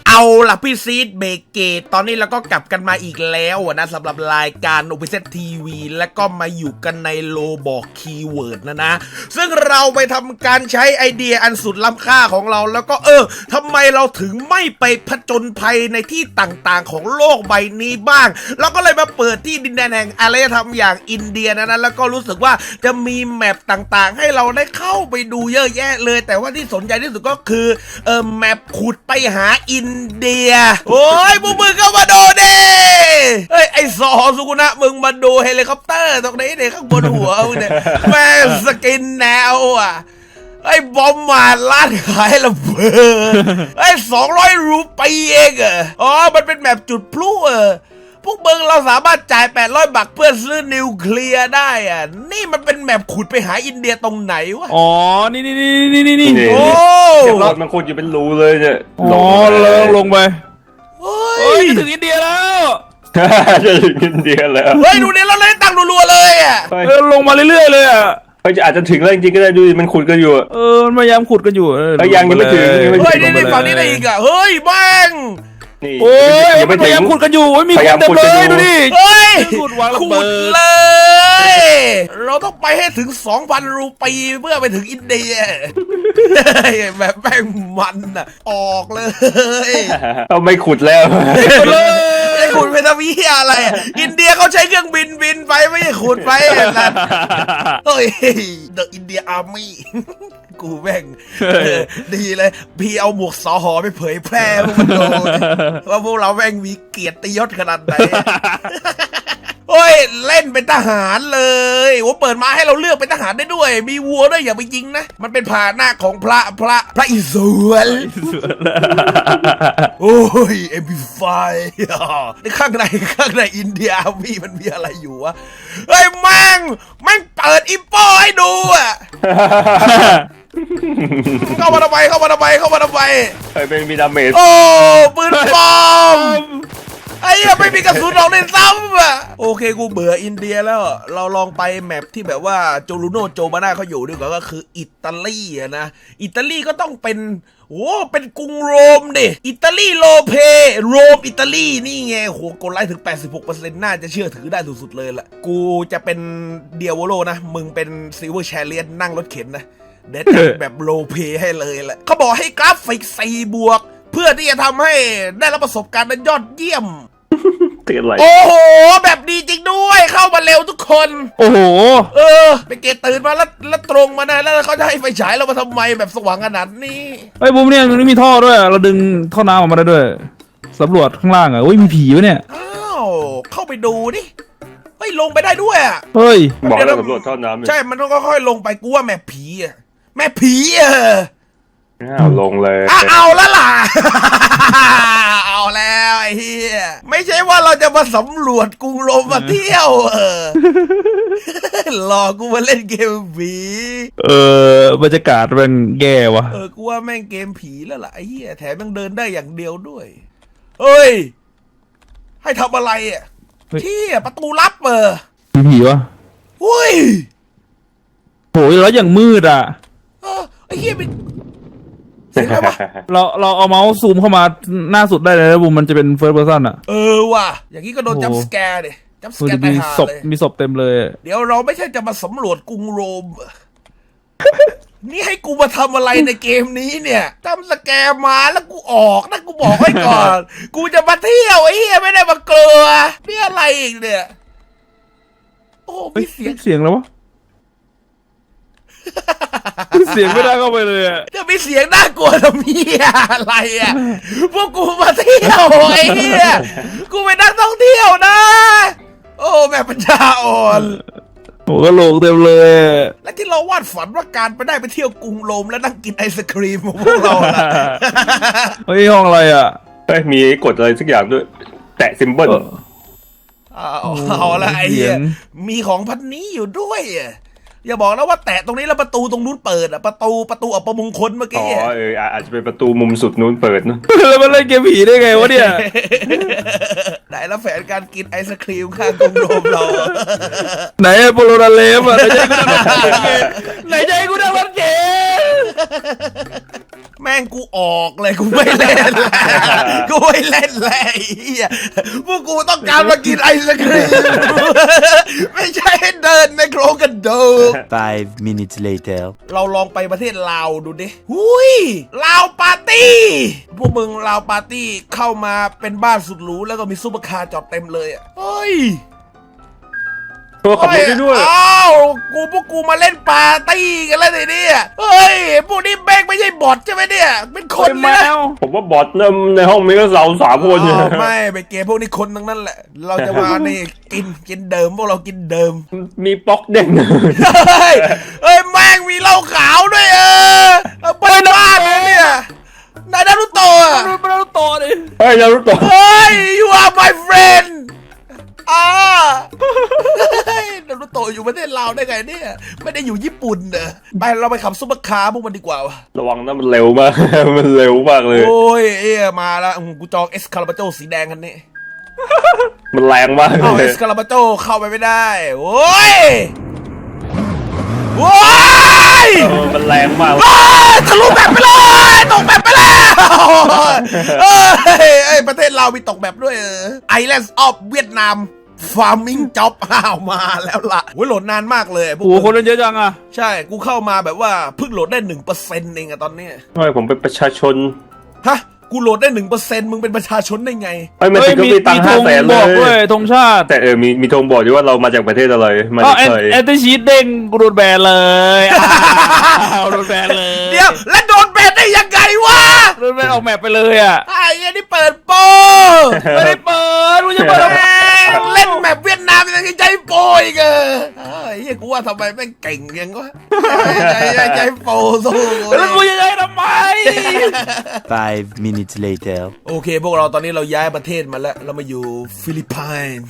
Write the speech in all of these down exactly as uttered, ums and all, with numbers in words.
เอาล่ะพี่ซีดเบเกตตอนนี้เราก็กลับกันมาอีกแล้วนะสำหรับรายการ โอ พี เซด ที วี และก็มาอยู่กันในโลบอกคีย์เวิร์ดนะนะซึ่งเราไปทำการใช้ไอเดียอันสุดล้ำค่าของเราแล้วก็เออทำไมเราถึงไม่ไปผจญภัยในที่ต่างๆของโลกใบนี้บ้างเราก็เลยมาเปิดที่ดินแดนแห่งอารยธรรมอย่างอินเดียนะนะแล้วก็รู้สึกว่าจะมีแมปต่างๆให้เราได้เข้าไปดูเยอะแยะเลยแต่ว่าที่สนใจที่สุดก็คือเออแมปขุดไปหาอินเดียโอ้ยพวกมึงก็มาดูดิเฮ้ยไอสอสุกุนะมึงมาดูเฮลิคอปเตอร์ตรงนี้เนี่ยข้างบนหัวมึงเนี่ยแม่สกินแนวอ่ะไอ้บอมมาร้านขายระเบิดไอ้สองร้อยรูปีเองอ่ะอ๋อมันเป็นแบบจุดพลุเออพวกมึงเราสามารถจ่ายแปดร้อยบาทเพื่อซื้อนิวเคลียร์ได้อ่ะนี่มันเป็นแมปขุดไปหาอินเดียตรงไหนวะอ๋อนี่นี่นี่นี่นี่นี่โอ้เดี๋ยวรถมันขุดอยู่เป็นรูเลยเนี่ยอ๋อลงลงไปเฮ้เฮ้ยยถึงอินเดียแล้วจะถึงอินเดียแล้วเฮ้ยดูเนี่ยเราเล่นตังค์รัวๆเลยอ่ะเออลงมาเรื่อยๆเลยอ่ะเฮ้ยอาจจะถึงแล้วจริงๆก็ได้ดูมันขุดกันอยู่เออมันพยายามขุดกันอยู่เออยังยังไม่ถึงเฮ้ยนี่ฝั่งนี้ได้อีกอ่ะเฮ้ยแม่งโอ้ยมันพยายามขุดกันอยู่มีคนเต็มเลยดูดิเฮ้ยขุดวางระเบิดเลยเราต้องไปให้ถึง สองพัน รูปีเพื่อไปถึงอินเดียแบบแม่งมันอ่ะออกเลยเราไม่ขุดแล้วไม่ขุดไปทำวิอะไรอินเดียเขาใช้เครื่องบินบินไปไม่ใช่ขุดไปนั่นเฮ้ย The India Army กูแม่งดีเลยพี่เอาหมวกสอหอไปเผยแพร่พวกมันดูว่าพวกเราแม่งมีเกียรติยศขนาดไหนโอ้ยเล่นเป็นทหารเลยว่าเปิดมาให้เราเลือกเป็นทหารได้ด้วยมีวัวด้วยอย่าไปยิงนะมันเป็นพาหนะของพระพระพระอิศวรโอ้ยเอ็มพีไฟในข้างในข้างในอินเดียมีมันมีอะไรอยู่วะเฮ้ยแม่งแม่งเปิดอิปโปให้ดูอ่ะเข้ามาทำไมเข้ามาทำไมเข้ามาทำไมไอ้เป็นมีดาเมจโอ้ปืนปลอมไอ้ยังไม่มีกระสุนออกในซ้ำอ่ะโอเคกูเบื่ออินเดียแล้วเราลองไปแมปที่แบบว่าโจลูโนโจมาน่าเขาอยู่ดีกว่าก็คืออิตาลีอะนะอิตาลีก็ต้องเป็นโอ้เป็นกรุงโรมดิอิตาลีโลเพโรมอิตาลีนี่ไงโหกดไลค์ถึง แปดสิบหกเปอร์เซ็นต์ น่าจะเชื่อถือได้สุดๆเลยล่ะกูจะเป็นเดียโวโลนะมึงเป็นซิลเวอร์แชเลียนนั่งรถเข็นนะเด็ดแบบโลเพให้เลยแหละเขาบอกให้กราฟิกสี่บวกเพื่อที่จะทำให้ได้รับประสบการณ์นั้นยอดเยี่ยมโอ้โหแบบดีจริงด้วยเข้ามาเร็วทุกคนโอ้โหเออไปเกตตื่นมาแล้วแล้วตรงมานะแล้วเขาจะให้ไฟฉายเรามาทำไมแบบสว่างขนาดนี้ไอ้บุ้มเนี่ยมันมีท่อด้วยเราดึงท่อน้ำออกมาได้ด้วยสำรวจข้างล่างอ่ะโอ้ยมีผีวะเนี่ยอ้าวเข้าไปดูดิเฮ้ยลงไปได้ด้วยอ่ะเฮ้ยบอกให้สำรวจท่อน้ำใช่มันต้องค่อยๆลงไปกูว่าแม่ผีอ่ะแม่ผีอ่ะเอาลงเลยเอาแล้วล่ะเอาแล้วไอ้เหี้ยไม่ใช่ว่าเราจะมาสำรวจกรุงโรมมาเที่ยวเออหลอกกูมาเล่นเกมผีเออบรรยากาศมันแย่วะเออกูว่าแม่งเกมผีแล้วล่ะไอ้เหี้ยแถมยังเดินได้อย่างเดียวด้วยเฮ้ยให้ทำอะไรอ่ะเที่ยประตูลับเออมีผีวะเฮ้ยโหแล้วอย่างมืดอ่ะเออไอ้เหี้ยเป็นเราเราเอาเมาส์ซูมเข้ามาหน้าสุดได้เลยนะบุมมันจะเป็นเฟิร์สเพอร์ซันอ่ะเออว่ะอย่างนี้ก็โดนจัมป์สแกร์ดิจัมป์สแกร์ตายห่าเลยมีศพเต็มเลยเดี๋ยวเราไม่ใช่จะมาสำรวจกรุงโรมนี่ให้กูมาทำอะไรในเกมนี้เนี่ยจัมป์สแกร์มาแล้วกูออกนะกูบอกไว้ก่อนกูจะมาเที่ยวไอ้เหี้ยไม่ได้มากลัวนี่อะไรอีกเนี่ยโอ้มีเสียงเสียงแล้ววะเสียงไม่ได้เข้าไปเลยอ่ะจะมีเสียงน่ากลัวทำไมอะไรอ่ะพวกกูมาเที่ยวไอ้เหี้ยกูเป็นนักท่องเที่ยวนะโอ้แม่ปัญญาอ่อนโอ้ก็โลกเต็มเลยและที่เราวาดฝันว่าการไปได้ไปเที่ยวกรุงโรมแล้วนั่งกินไอศครีมของพวกเราล่ะเฮ้ยห้องอะไรอ่ะเฮ้ยมีกดอะไรสักอย่างด้วยแตะซิมเบิลเอาเอาละไอ้เหี้ยมีของพันนี้อยู่ด้วยอย่าบอกนะว่าแตะตรงนี้แล้วประตูตรงนู้นเปิดอะประตูประตูอัปมงคลเมื่อกี้อ๋อเอออาจจะเป็นประตูมุมสุดนู้นเปิดนะแล้วมันเล่นเกมผีได้ไงวะเนี่ยไหนแล้วแผนการกินไอศครีมข้างกรุงโรมเราไหนโปโลนาเลฟอะไหนใจกูได้รถเก๋ไหนใจกูได้รถเก๋แม่ม่งกูออกเลยกูไม่เล่นแล้วกูไม่เล่นแล้วไอ้เหี้ยพวกกูต้องการมากินไอศครีมไม่ใช่ให้เดินในโครงกระดูก Five minutes later. เราลองไปประเทศลาวดูดิหุยลาวปาร์ตี้พวกมึงลาวปาร์ตี้เข้ามาเป็นบ้านสุดหรูแล้วก็มีซุปเปอร์คาร์จอดเต็มเลยอะเฮ้ยตัวขับรถได้ด้วยอ้าวกูพวกกูมาเล่นปาร์ตี้กันแล้วทีนี้เฮ้ยพวกนี้แบงไม่ใช่บอทใช่ไหมเนี่ยเป็นคนเป็นเลแมยนะวผมว่าบอทเริ่มในห้องมีก็เราสามคนเนี่ยอ้าวไม่ไปเกมพวกนี้คนทั้งนั้นแหละ เราจะมานี่กินกินเดิมพวกเรากินเดิมมีป๊อกเด้งเฮ้ยเฮ้ยแม่งมีเหล้าขาวด้วยเออเอาไปบ้านเลยเนี่ยนายนารุโตะมันไม่ต้องต่อดิเฮ้ยนารุโตะเฮ้ย you are my friend อ่าเฮ้ยนารุโตะอยู่ประเทศลาวได้ไงเนี่ยไม่ได้อยู่ญี่ปุ่นเนอะไปเราไปขับซุปเปอร์คาร์พวกมันดีกว่าวะระวังนะมันเร็วมาก มันเร็วมากเลยโอ้ยเอ้ยมาแล้วอืมกูจองเอสคาราบาโจสีแดงคันนี้มันแรงมากเอาเลเอย สคาราบาโจเข้าไปไม่ได้โอ้ยโอ้ยเออมันแรงมากโอ้ยทะลุแบบไปเลยตกแบบไปแล้วเอ้ยเอ้ยประเทศเราวมีตกแบบด้วยเออ Islands of Vietnam Farming Job อ้าวมาแล้วล่ะโอ้ยโหลดนานมากเลยพวกโอ้โหคนเล่นเยอะจังอะใช่กูเข้ามาแบบว่าเพิ่งโหลดได้หนึ่งเปอร์เซ็นต์เองอะตอนเนี้ยทำไมผมเป็นประชาชนฮะกูโหลดได้หนึ่งเปอร์เซ็นต์มึงเป็นประชาชนได้ไงเฮ้ยมันถึงก็มีตังค์ธห้าง แสนเลบอกด้วยยธงชาติแต่เออมีมีธงบอกด้วยว่าเรามาจากประเทศอะไรมาอ๋อจากแอนไทยแอนตี้ชีตเด้งกูโดนแบนเลยอ้าวโดนแบนเลยเดี๋ยวแล้วโดนแบนได้ยังไงวะโดนแบนออกแมปไปเลยอ่ะไอ้ยันนี่เปิดโปไม่ได้เปิดกูจะเปิดทำไมเล่นแมปเวียดนามยังใจโปอีกเออไอ้เหี้ยกูว่าทำไมแม่งเก่งยังวะใจใจใจโปสู้แล้วกูจะให้ทำไม Five minutes later. โอเคพวกเราตอนนี้เราย้ายประเทศมาแล้วเรามาอยู่ฟิลิปปินส์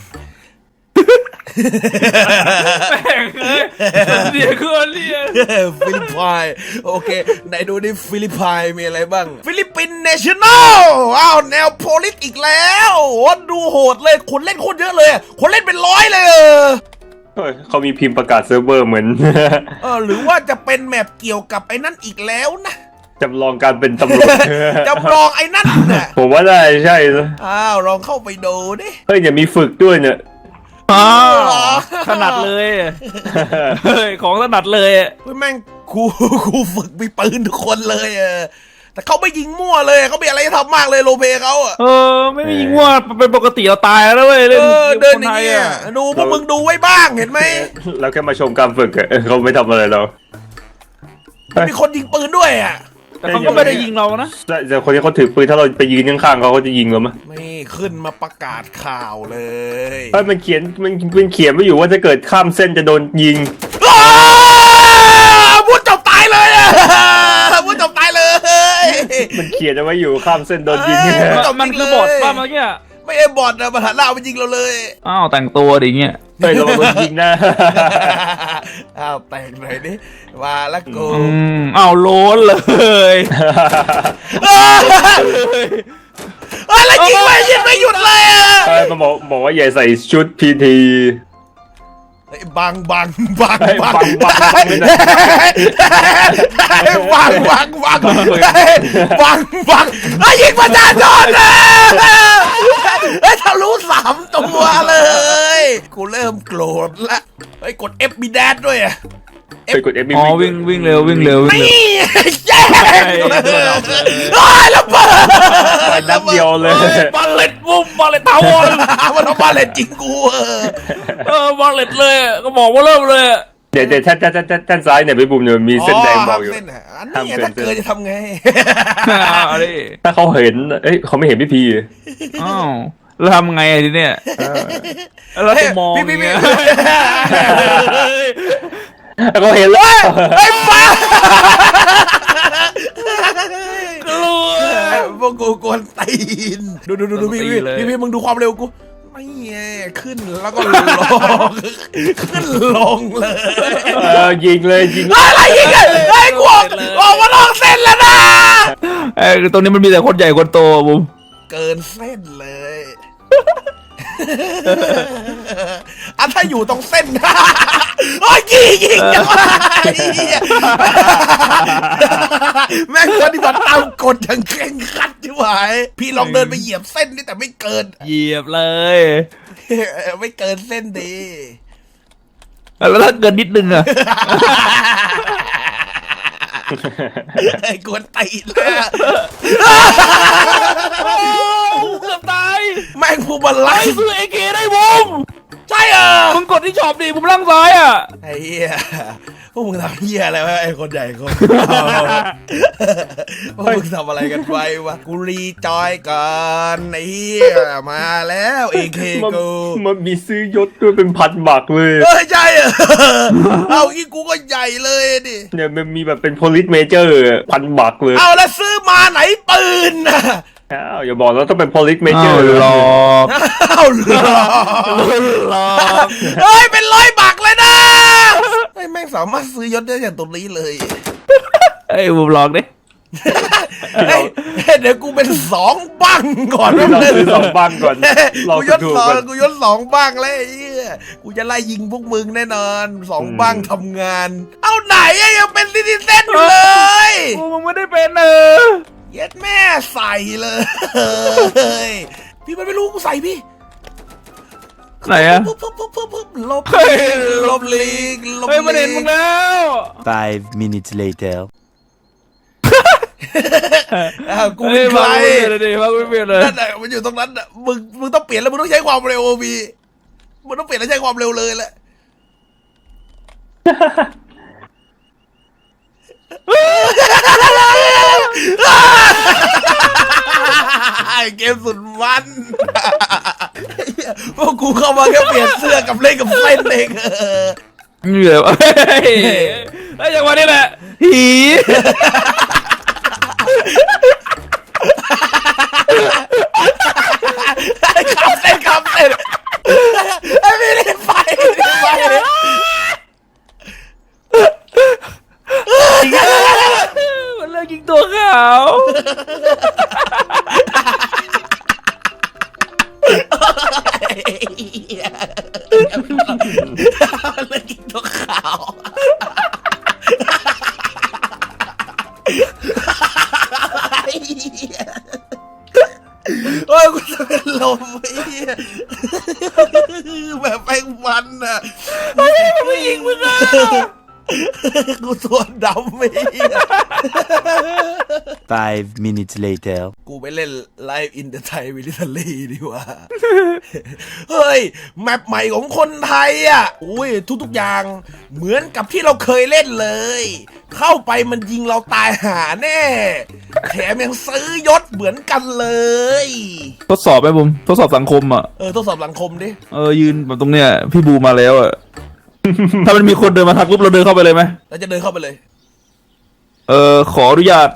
แม่งเอ้ยเดี๋ยวกูเรียนฟิลิปปินส์โอเคไหนดูดิฟิลิปปินส์มีอะไรบ้างฟิลิปปินส์เนชั่นแนลอ้าวแนวโพลิสอีกแล้วโอ้ดูโหดเลยคนเล่นโคตรเยอะเลยคนเล่นเป็นร้อยเลยเออเฮ้ยเขามีพิมพ์ประกาศเซิร์ฟเวอร์เหมือนเออหรือว่าจะเป็นแมปเกี่ยวกับไอ้นั่นอีกแล้วนะจำลองการเป็นตำรวจจำลองไอ้นั่นน่ะผมว่าได้ใช่นะอ้าวลองเข้าไปดูดิเฮ้ยอย่ามีฝึกด้วยเนี่ยอ้าวถนัดเลยเฮ้ยของถนัดเลยเฮ้ยแม่งครูครูฝึกมีปืนทุกคนเลยเออแต่เขาไม่ยิงมั่วเลยเขาไม่อะไรจะทำมากเลยโลเปเขาอะเออไม่มีว่าเป็นปกติเราตายแล้วเว้ยเอเล่นอเกเดินมอไทย่างยเงี้ยอ่ะดูพวกมึงดูไว้บ้างเห็นไหมเราแค่มาชมการฝึกอะเขาไม่ทำอะไรเรามีคนยิงปืนด้วยอ่ะแต่เขาก็ไม่ได้ยิงเรานะแต่แต่คนที่เขาถือปืนถ้าเราไปยืนข้างๆเขาเขาจะยิงเราไหมไม่ขึ้นมาประกาศข่าวเลยเฮ้ยมันเขียนมันมันเขียนไว้อยู่ว่าถ้าเกิดข้ามเส้นจะโดนยิงอ้าวพูดจบตายเลยอะพูดจบตายเลยมันเขียนเอาไว้อยู่ข้ามเส้นโดนยิงเอ้ยมันคือบอทป่ะเมื่อกี้ไม่ไอ้บอทนะมันหันหน้ามายิงเราเลยอ้าวแต่งตัวดิเงี้ยเฮ้ยเราโดนยิงนะอ้าวแต่งหน่อยดิมาแล้วกูอืมอ้าวโล้นเลยเอ้ยเอ้ยแล้วยิงไม่ยิงไม่หยุดเลยอ่ะเฮ้ยมันบอกบอกว่าอย่าใส่ชุดพีทีเฮ้ยบังบังบังเฮ้ยบังบังบังไม่ได้เฮ้ยบังบังบังเฮ้ยบังบังไอ้ยยิงประชาชนเลยเฮ้ยทะลุสามตัวเลยกูเริ่มโกรธละเฮ้ยกด F มีแดดด้วยอ่ะไปกดเอฟบีอ๋อวิ่งวิ่งเร็ววิ่งเร็ววิ่งเร็วนี่แย่งเลยโอ้ยระเบิดไปนัดเดียวเลยบอลเล็ตบุ้มบอลเล็ตทาวอนมันเอามาเล่นจริงกูเออเออบอลเล็ตเลยก็บอกว่าเริ่มเลยเดี๋ยวเดี๋ยวท่านท่านท่านท่านซ้ายเนี่ยไปบุมเนี่ยมีเส้นแดงบอกอยู่เส้นอ่ะอันนี้ถ้าเกิดจะทำไงเอาดิถ้าเขาเห็นเอ้ยเขาไม่เห็นพี่พีอ้าวแล้วทำไงทีเนี้ยแล้วจะมองอย่างเงี้ยเขาเห็นแล้วไอ้ป้ากลัวพวกกูกวนตีนดูดูดูดูพี่พี่พี่พี่มึงดูความเร็วกูไม่แย่ขึ้นแล้วก็ลงขึ้นลงเลยเออยิงเลยยิงอะไรยิงไงไอ้กูออกมาลองเส้นแล้วนะไอ้ตรงนี้มันมีแต่คนใหญ่คนโตบุ้มเกินเส้นเลยอ่ะถ้าอยู่ตรงเส้น โอ้ยยิงยิงจังวะไอ้เหี้ยแม่งปฏิบัติตามกฎอย่างเคร่งครัดที่หายพี่ลองเดินไปเหยียบเส้นนี่แต่ไม่เกินเหยียบเลยไม่เกินเส้นดีแล้วถ้าเกินนิดนึงอะไอ้กวนตีนเลยอะเกือบตายแม่งพูบันไลไอ้ซื้อเอเคได้บุมใช่เหรอมึงกดที่ช็อปดิบุมล่างซ้ายอ่ะไอ้เหี้ยพวกมึงทำเหี้ยอะไรวะไอ้คนใหญ่คนพวกมึงทำอะไรกันไปวะกูรีจอยกันไอ้เหี้ยมาแล้วเอเคมันกูมันมีซื้อยศด้วยเป็นพันบักเลยเฮ้ยใช่เหรอเอาอีกกูก็ใหญ่เลยดิเนี่ยมันมีแบบเป็น police major พันบักเลยเอาแล้วซื้อมาไหนปืนน่ะอ้าวอย่าบอกแล้วต้องเป็น police อ้า major วหลอกเอาเหรอหลอกเฮ้ยเป็นร้อยบักเลยนะเฮ้ยแม่งสามารถซื้อยศได้อย่างตรงนี้เลยไอ้บุมหลอกดิเฮ้ยเดี๋ยวกูเป็นสองบ้างก่อนเราแป๊บนึซื้อสองบ้างก่อนเรากูยศถูกสองกันกูยศสองบ้างแล้วไอ้เหี้ยกูจะไล่ยิงพวกมึงแน่นอนสองบ้างทำงาน เอาไหนอะยังเป็นซิติเซนอยู่เลยกูมึงไม่ได้เป็นเออเย็ดแม่ใส่เลยพี่มันไม่รู้กูใส่พี่ไหนอะปุ๊บปุ๊บปุ๊บปุ๊บปุ๊บลบเฮ้ยลบลีกลบเฮ้ยมันเห็นมึงแล้ว Five minutes later. อ้าวกูเฮ้เป็ยนใคมาร ไม่เปลี่ยนเลยดิมาไม่เปลี่ยนเลยนั่นแหละมันอยู่ตรงนั้นน่ะมึงมึงต้องเปลี่ยนแล้วมึงต้องใช้ความเร็วพี่มึงต้องเปลี่ยนแล้วใช้ความเร็วเลยแหละ เกมสุดมันพวกกูเข้ามาแค่เปลี่ยนเสื้อกับเล่นกับเส้นเองเออเหนื่อยวะเฮ้ยไอ้จังหวะนี้แหละหีขับเส้นขับเส้นไอ้ไม่ได้ไฟไม่ได้ไฟมันเลิกยิงตัวขาวเลยกินตัวขาวโอ้ยกูจะเป็นลมไอ้เหี้ยแบบแป้งมันอ่ะไม่ยิงมึงอ่ะกูตัวดำไอ้เหี้ย Five minutes later. กูไปเล่นไลฟ์อินเดอะไทยวิลิทลีดีกว่า เฮ้ย แมปใหม่ของคนไทยอ่ะอุ้ยทุกๆอย่างเหมือนกับที่เราเคยเล่นเลย เข้าไปมันยิงเราตายหาแน่ แถมยังซื้อยศเหมือนกันเลยทดสอบไหมบุมทดสอบสังคมอ่ะเออทดสอบสังคมดิเออยืนแบบตรงเนี้ยพี่บูมาแล้วอ่ะ ถ้ามันมีคนเดินมาทักปุ๊บเราเดินเข้าไปเลยไหมเราจะเดินเข้าไปเลยเออขออนุญาต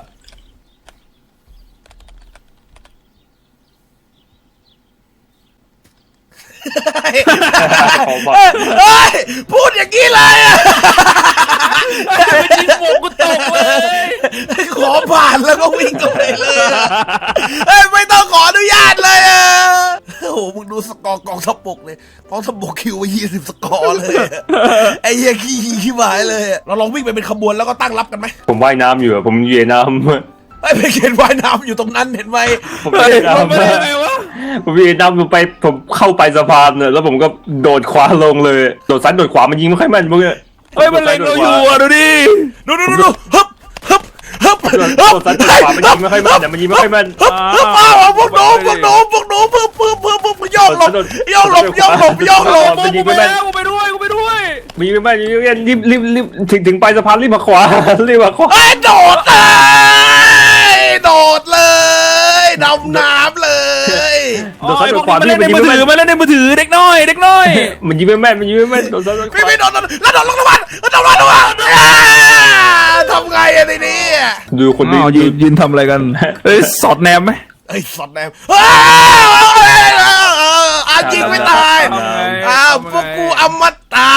ขอบักเฮ้ย พูดอย่างนี้เลยอะไม่จริงผมกูตกเลยขอผ่านแล้วก็วิ่งเข้าไปเลยอะเฮ้ย ไม่ต้องขออนุญาตเลยอะโอ้โห มึงดูสกอร์กองทัพบกเลยกองทัพบกคิวไปยี่สิบสกอร์เลยอะไอ้เหี้ยขี้ขี้หมายเลยอะเราลองวิ่งไปเป็นขบวนแล้วก็ตั้งรับกันไหมผมว่ายน้ำอยู่อะผมเยน้ำไอ้ไปเขียนว่ายน้ำอยู่ตรงนั้นเห็นไหมผมเฮ้ว่าย ยมันไม่น้ำได้ไงวะผมเยน้ำลงไปผมเข้าไปสะพานเนี่ยแล้วผมก็โดดขวาลงเลยโดดซ้ายโดดขวามันยิงไม่ค่อยแม่นพวกเนี้ยเฮ้ยมันเล็งเราอยู่อ่ะดูดิดูดูดูดูฮึบฮึบฮึบโดดโดดซ้ายโดดขวามันยิงไม่ค่อยแม่นแต่มันยิงไม่ค่อยแม่นฮึบฮึบอ้าวพวกหนูพวกหนูพวกหนูเพิ่มเพิ่มเพิ่มเพิ่มโยกหลบโยกหลบโยกหลบโยกหลบกูไปแล้วกูไปด้วยกูไปด้วยมันยิงไม่แม่นยิงไม่แม่นรีบรีบรีบถึงถึงปลายสะพานรีบมาขวารีบมาขวาไอ้โดดเลยโดดเลยดำน้ำเลยโดดซ้ายโดดขวามาพี่เล่นมันในยิงมือไม่ถืแม่อน มาเล่นในมือถือเด็กน้อยเด็กน้อยมันยิงไม่แม่นมันยิงไม่แม่นโดดซ้ายโดดขไม่วาไม่โดดแล้วโดดลงน้ำมันโดดลงน้ำมันทำไงอะทีนี้ดูคนนี้อ้าวยืนยืนทำอะไรกันเฮ้ยสอดแนมไหมไอ้สอดแนมอายิงไม่ตายอ้าวพวกกูอมตะ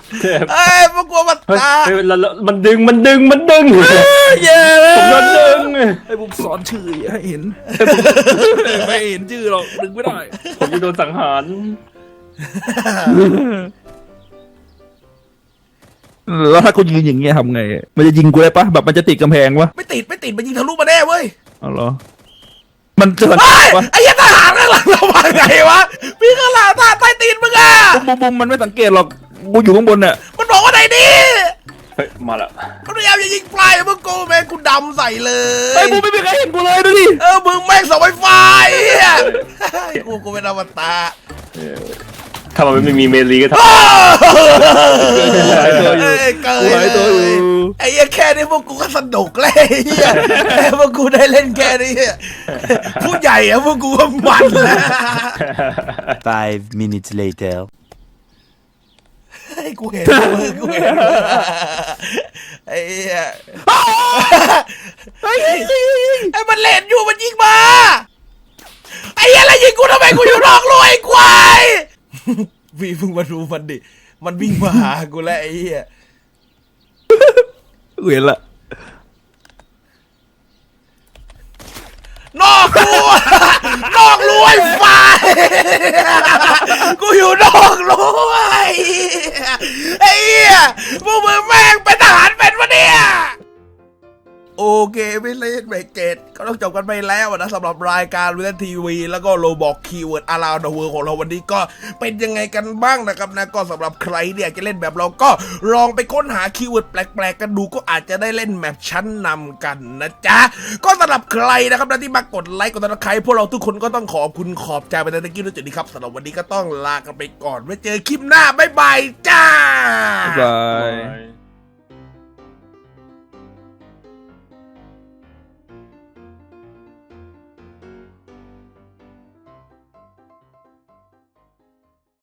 เอ้ยพวกกูอมเฮ้ยตะเฮ้ยแล้วแล้วมันดึงมันดึงมันดึงเย้ผมโดนดึงไงไอ้บุมสอนชื่ออย่าให้เห็นไม่เห็นชื่อหรอกดึงไม่ได้ผมจะโดนสังหารแล้วถ้ากูยืนอย่างเงี้ยทำไงมันจะยิงกูได้ปะแบบมันจะติดกำแพงวะไม่ติดไม่ติดมันยิงทะลุมาแน่เว้ยอ๋อเหรอมันจะสังเฮ้เกยตปะไอ้เหี้ยทหารข้างหลังเรามาไงวะพี่ข้างหลังทหารใต้ตีนมึงอะบุมบุมมันไม่สังเกตหรอกกูอยู่ข้างบนเนี่ยมันบอกว่าไหนดิเฮ้ยมาแล้วมันพยายามจะยิงปลายมึงกูแม่งกูดำใส่เลไอ้ยบุมไม่มีใครเห็นกูเลยดูดิเออมึงแม่งเสาไฟฟ้าไอ้เหี้ยกูกูเป็นอมตะถ้ามันไม่มีเมลีก็ทำหายตัวอยู่เอ้ยเกิกูหายตัวอยู่ไอ้เหี้ยแค่นี้พวกกูก็สนุกเลยไอ้เหี้ยแค่พวกกูได้เล่นแค่นี้ผู้ใหญ่อะพวกกูก็มันแล้ว Five minutes later. ไอ้กูเห็นมึงกูเห็นไอ้เหี้ยไอ้ไอ้มันเล่นอยู่มันยิงมาไอ้เหี้ยอะไรยิงกูทำไมกูอยู่นอกรั้วไอ้ควายพี่เพิ่งมาดูมันดิมันวิ่งมาหากูแล้วไอ้เหี้ยกูเห็นละนอกรั้วนอกรั้วไอ้ไฟกูอยู่นอกรั้วไอ้เหี้ยไอ้เหี้ยพวกมึงแม่งเป็นทหารเป็นวะเนี่ยโอเคไม่เล่นเบรกเกตก็ต้องจบกันไปแล้วนะสำหรับรายการวิทยทีวีแล้วก็โลบอกคีย์เวิร์ดอาราเดอะเวิร์ของเราวันนี้ก็เป็นยังไงกันบ้างนะครับนะก็สำหรับใครเนี่ยจะเล่นแบบเราก็ลองไปค้นหาคีย์เวิร์ดแปลกๆกันดูก็อาจจะได้เล่นแมปชั้นนำกันนะจ๊ะก็สำหรับใครนะครับนะที่มากดไลค์กดติดตามใครพวกเราทุกคนก็ต้องขอบคุณขอบใจไปในตะกี้ด้วยจุดนี้ครับสำหรับวันนี้ก็ต้องลากันไปก่อนไว้เจอคลิปหน้าบ๊ายบายจ้าบาย